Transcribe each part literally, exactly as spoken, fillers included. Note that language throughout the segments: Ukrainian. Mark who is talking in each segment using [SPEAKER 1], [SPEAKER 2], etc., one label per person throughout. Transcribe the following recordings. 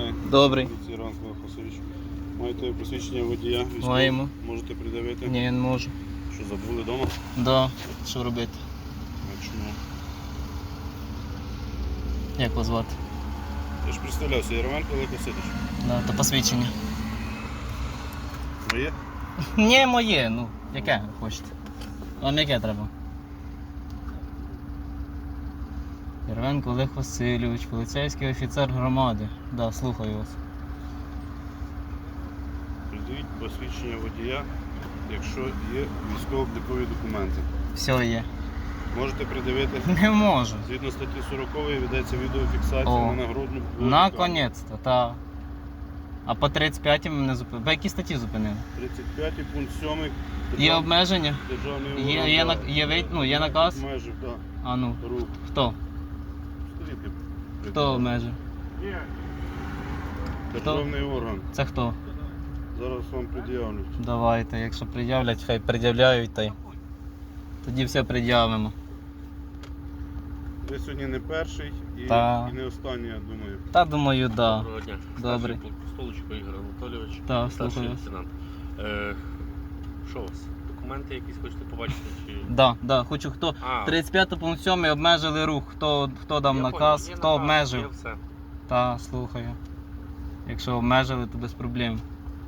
[SPEAKER 1] день.
[SPEAKER 2] Добрий.
[SPEAKER 1] Поліції Ранкових Васильович. Маєте посвідчення водія? Військового?
[SPEAKER 2] Маємо.
[SPEAKER 1] Можете придавити?
[SPEAKER 2] Ні, не можу.
[SPEAKER 1] Що, забули вдома?
[SPEAKER 2] Да. Що робити?
[SPEAKER 1] А чому?
[SPEAKER 2] Як вас звати?
[SPEAKER 1] Я ж представлявся, Яроменко Олег Васильович.
[SPEAKER 2] Да, то посвідчення.
[SPEAKER 1] Моє?
[SPEAKER 2] Ні, моє, ну, яке хочете. Вам яке треба? Яровенко Олег Васильович, поліцейський офіцер громади. Да, слухаю вас.
[SPEAKER 1] Придавіть посвідчення водія, якщо є військово-облікові документи.
[SPEAKER 2] Все є.
[SPEAKER 1] Можете придавити?
[SPEAKER 2] Не можу.
[SPEAKER 1] Згідно статті сорокової ведеться відеофіксація
[SPEAKER 2] О,
[SPEAKER 1] на нагрудну.
[SPEAKER 2] наконець-то, та. А по тридцять п'ятій мене зупинили. По якій статті зупинили?
[SPEAKER 1] тридцять п'ятий пункт сьомий.
[SPEAKER 2] Є обмеження?
[SPEAKER 1] Державний
[SPEAKER 2] Є,
[SPEAKER 1] орган,
[SPEAKER 2] є,
[SPEAKER 1] да,
[SPEAKER 2] на- є, вид- ну, є наказ?
[SPEAKER 1] Обмежив, так.
[SPEAKER 2] А ну,
[SPEAKER 1] Рух.
[SPEAKER 2] хто?
[SPEAKER 1] Сторінки.
[SPEAKER 2] Хто обмежив?
[SPEAKER 1] Державний орган.
[SPEAKER 2] Це хто?
[SPEAKER 1] Зараз вам пред'являть.
[SPEAKER 2] Давайте, якщо пред'являть, хай пред'являють, та й тоді все пред'явимо.
[SPEAKER 1] Ви сьогодні не перший і,
[SPEAKER 2] Та.
[SPEAKER 1] і не останній, я думаю.
[SPEAKER 2] Та думаю, да.
[SPEAKER 3] Доброго дня.
[SPEAKER 2] Добре.
[SPEAKER 3] Старший Столичко Ігор Анатолійович.
[SPEAKER 2] Так,
[SPEAKER 3] Старший
[SPEAKER 2] слухаю вас.
[SPEAKER 3] лейтенант. Е, що у вас? Документи якісь хочете побачити? Чи...
[SPEAKER 2] Да, да, хочу хто.
[SPEAKER 3] А,
[SPEAKER 2] тридцять п'ятий пункт сьомий обмежили рух. Хто, хто дав
[SPEAKER 3] я
[SPEAKER 2] наказ,
[SPEAKER 3] понял. Є
[SPEAKER 2] хто
[SPEAKER 3] наказ,
[SPEAKER 2] обмежив.
[SPEAKER 3] є все.
[SPEAKER 2] Та, слухаю. Якщо обмежили, то без проблем.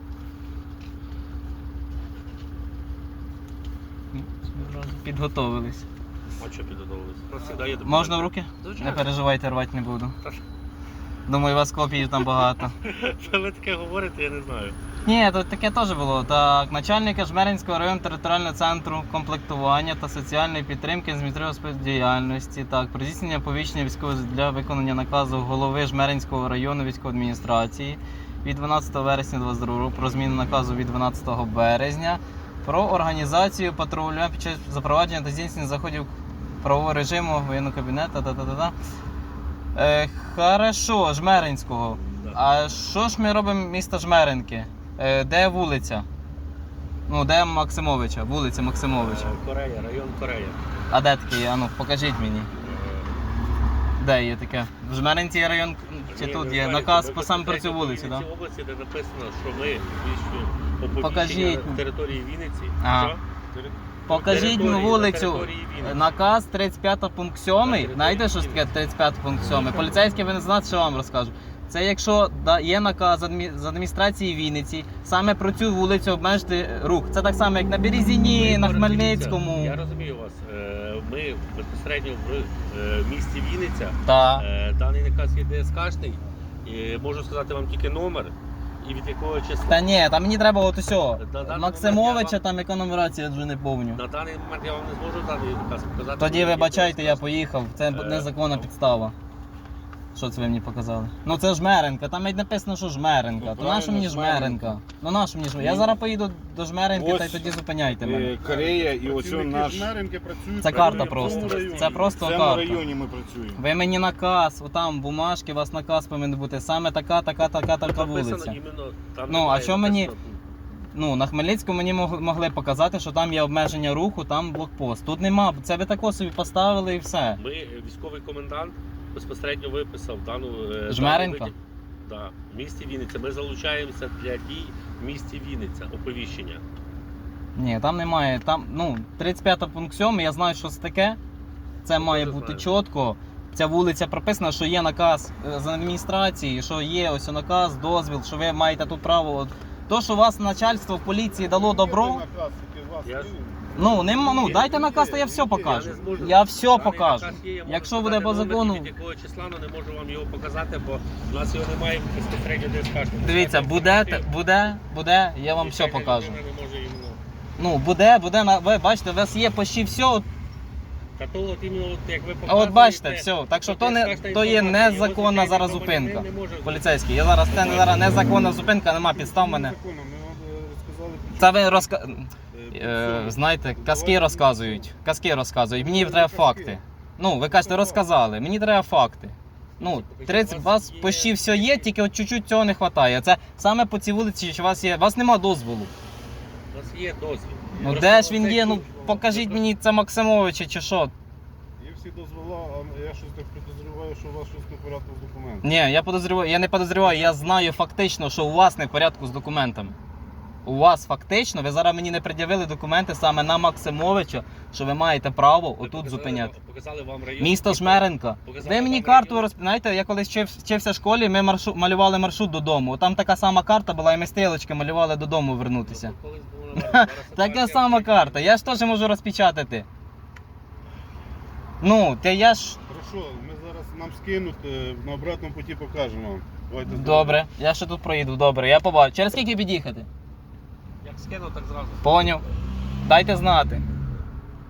[SPEAKER 2] Ну, одразу підготовились.
[SPEAKER 3] А що підготовились? У нас завжди є документи.
[SPEAKER 2] Можна в руки? Не
[SPEAKER 3] Звичайно.
[SPEAKER 2] переживайте, рвати не буду.
[SPEAKER 3] Та ж.
[SPEAKER 2] Думаю, у вас копій там багато.
[SPEAKER 3] Та ви таке говорите, я не знаю.
[SPEAKER 2] Ні, тут таке теж було. Так, начальника Жмеринського районного територіального центру комплектування та соціальної підтримки з діяльності. Так, про здійснення повіщення військового для виконання наказу голови Жмеринського району військової адміністрації від дванадцятого вересня двадцять другого року про зміну наказу від дванадцятого березня про організацію патрулювання під час запровадження та здійснення заходів правового режиму воєнного кабінету. Та-та-та-та. Е, хорошо, Жмеринського.
[SPEAKER 3] Да.
[SPEAKER 2] А що ж ми робимо місто Жмеринки? Е, де вулиця? Ну, де Максимовича? Вулиця Максимовича.
[SPEAKER 3] Е, Корея, район Корея.
[SPEAKER 2] А де таке? А ну, покажіть мені.
[SPEAKER 3] Е,
[SPEAKER 2] Де є таке? В Жмеринці є район, чи
[SPEAKER 3] ні,
[SPEAKER 2] тут
[SPEAKER 3] ви
[SPEAKER 2] є
[SPEAKER 3] знаєте,
[SPEAKER 2] наказ
[SPEAKER 3] ви
[SPEAKER 2] по саме про цю
[SPEAKER 3] безпосередньо
[SPEAKER 2] вулицю,
[SPEAKER 3] в
[SPEAKER 2] так?
[SPEAKER 3] Вінницькій області, де написано, що ми військові
[SPEAKER 2] Покажіть.
[SPEAKER 3] оповіщення на території Вінниці.
[SPEAKER 2] А.
[SPEAKER 3] Що?
[SPEAKER 2] Покажіть
[SPEAKER 3] Території-
[SPEAKER 2] мені
[SPEAKER 3] на
[SPEAKER 2] вулицю.
[SPEAKER 3] території Вінниці.
[SPEAKER 2] Наказ тридцять п'ятий пункт сьомий.
[SPEAKER 3] На
[SPEAKER 2] Знаєте, що ж таке тридцять п'ятий пункт сьомий? Поліцейський ви не знаєте, що вам розкажу. Це якщо да, є наказ з адмі- з адміністрації Вінниці, саме про цю вулицю обмежити рух. Це так само, як на Березіні,
[SPEAKER 3] Ми,
[SPEAKER 2] на
[SPEAKER 3] дивіться,
[SPEAKER 2] Хмельницькому.
[SPEAKER 3] Я розумію вас. Е, Ми безпосередньо в е, місті Вінниця.
[SPEAKER 2] Та.
[SPEAKER 3] Е, Даний наказ є ДСКшний. І можу сказати вам тільки номер і від якого числа.
[SPEAKER 2] Та ні, там мені треба от усього.
[SPEAKER 3] На даний
[SPEAKER 2] Максимовича,
[SPEAKER 3] момент я
[SPEAKER 2] там яка нумерація, я вже не помню.
[SPEAKER 3] На даний момент я вам не зможу даний наказ показати.
[SPEAKER 2] Тоді
[SPEAKER 3] бо він є
[SPEAKER 2] вибачайте, я
[SPEAKER 3] ДСКшний.
[SPEAKER 2] поїхав. Це
[SPEAKER 3] Е,
[SPEAKER 2] незаконна
[SPEAKER 3] ну.
[SPEAKER 2] підстава. Що це ви мені показали? Ну це Жмеринка, там навіть написано, що Жмеринка.
[SPEAKER 1] Ну,
[SPEAKER 2] То нащо мені
[SPEAKER 1] правильно,
[SPEAKER 2] Жмеринка? Ну нащо мені Жмеринка? Я зараз поїду до Жмеринки, та й
[SPEAKER 1] Ось,
[SPEAKER 2] тоді зупиняйте мене.
[SPEAKER 1] Е, Корея і ось
[SPEAKER 3] Працівники
[SPEAKER 1] наш...
[SPEAKER 3] Жмеринки
[SPEAKER 1] працюють.
[SPEAKER 2] Це карта просто. Це просто
[SPEAKER 1] В цьому
[SPEAKER 2] карта.
[SPEAKER 1] районі ми працюємо.
[SPEAKER 2] Ви мені наказ, отам бумажки, у вас наказ повинен бути. Саме така, така, така, така
[SPEAKER 3] Написано
[SPEAKER 2] вулиця.
[SPEAKER 3] іменно, там
[SPEAKER 2] Ну, а
[SPEAKER 3] немає
[SPEAKER 2] що мені-
[SPEAKER 3] написано.
[SPEAKER 2] Ну, на Хмельницькому мені мог- могли показати, що там є обмеження руху, там блокпост. Тут нема, це ви тако собі поставили і все.
[SPEAKER 3] Ми, е, військовий комендант, безпосередньо виписав дану е,
[SPEAKER 2] Жмеринка?
[SPEAKER 3] дану виді- Да, в місті Вінниця. Ми залучаємося для дій в місті Вінниця, оповіщення.
[SPEAKER 2] Ні, там немає. Там, ну, тридцять п'ятий пункт сьомий, я знаю, що це таке. Це
[SPEAKER 3] Ну,
[SPEAKER 2] має
[SPEAKER 3] теж
[SPEAKER 2] бути
[SPEAKER 3] знаю.
[SPEAKER 2] чітко. Ця вулиця прописана, що є наказ е, з адміністрації, що є ось наказ, дозвіл, що ви маєте тут право. От, то, що вас начальство в поліції дало добро,
[SPEAKER 3] Я-
[SPEAKER 2] ну, нема, ну
[SPEAKER 3] Є,
[SPEAKER 2] дайте
[SPEAKER 3] є,
[SPEAKER 2] наказ, то я
[SPEAKER 3] є,
[SPEAKER 2] все
[SPEAKER 3] є,
[SPEAKER 2] покажу.
[SPEAKER 3] я не зможу.
[SPEAKER 2] Я все
[SPEAKER 3] Даний
[SPEAKER 2] покажу.
[SPEAKER 3] наказ є, я можу
[SPEAKER 2] Якщо
[SPEAKER 3] сказати
[SPEAKER 2] буде по
[SPEAKER 3] номер,
[SPEAKER 2] закону.
[SPEAKER 3] Від якого числа, але не можу вам його показати, бо в нас його немає безпосередньо ДСК.
[SPEAKER 2] Дивіться, буде, буде, буде, я вам все покажу.
[SPEAKER 3] Не може іменно.
[SPEAKER 2] Ну, буде, буде, на- ви бачите, у вас є почти все. от-
[SPEAKER 3] Та то от іменно, от, як ви
[SPEAKER 2] А
[SPEAKER 3] показуєте,
[SPEAKER 2] от бачите, все. Так що
[SPEAKER 3] от
[SPEAKER 2] то, не,
[SPEAKER 3] ДСКшна
[SPEAKER 2] то є
[SPEAKER 3] інформація, його
[SPEAKER 2] незаконна
[SPEAKER 3] звичайний
[SPEAKER 2] зараз
[SPEAKER 3] громадянин
[SPEAKER 2] зупинка.
[SPEAKER 3] не може
[SPEAKER 2] Поліцейський, я зараз, це зараз незаконна зупинка, нема підстав мене.
[SPEAKER 1] Ми вам розказали.
[SPEAKER 2] Це ви розка... е, знаєте, казки розказують. Казки розказують. Мені треба факти. Ну, ви кажете, розказали, мені треба факти. Ну, тридцять, у вас почти все є, тільки от чуть-чуть цього не вистачає. Це саме по цій вулиці, що у вас є. У вас нема дозволу.
[SPEAKER 3] У нас є дозвіл.
[SPEAKER 2] Ну
[SPEAKER 3] Просто
[SPEAKER 2] де ж він
[SPEAKER 3] цей
[SPEAKER 2] є? Ну
[SPEAKER 3] тут-
[SPEAKER 2] покажіть мені, це Максимовича чи що.
[SPEAKER 1] І всі дозвола, а я щось так підозрюваю, що у вас щось не в порядку з документами.
[SPEAKER 2] Ні, я подозрюваю, я не подозрюваю, я знаю фактично, що у вас не в порядку з документами. У вас фактично, ви зараз мені не пред'явили документи саме на Максимовича, що ви маєте право
[SPEAKER 3] Ми
[SPEAKER 2] отут
[SPEAKER 3] показали
[SPEAKER 2] зупиняти.
[SPEAKER 3] вам- Показали вам район.
[SPEAKER 2] Місто Жмеренка.
[SPEAKER 3] Показали
[SPEAKER 2] Ви мені
[SPEAKER 3] вам
[SPEAKER 2] карту
[SPEAKER 3] район.
[SPEAKER 2] розп... Знаєте, я колись вчив, вчився в школі, ми маршрут, малювали маршрут додому. Там така сама карта була, і ми стрілочки малювали додому вернутися.
[SPEAKER 3] Ну, колись було, зараз
[SPEAKER 2] Така
[SPEAKER 3] ситуація
[SPEAKER 2] сама
[SPEAKER 3] в Києві.
[SPEAKER 2] карта, я ж теж можу розпечатати. Ну, те я ж.
[SPEAKER 1] Хорошо, ми зараз нам скинуть, е, на обратному путі покажемо вам. Давайте
[SPEAKER 2] Добре, я ще тут проїду, добре, я побачу. Через скільки під'їхати?
[SPEAKER 3] Як скину, так зразу.
[SPEAKER 2] Поняв. Дайте знати.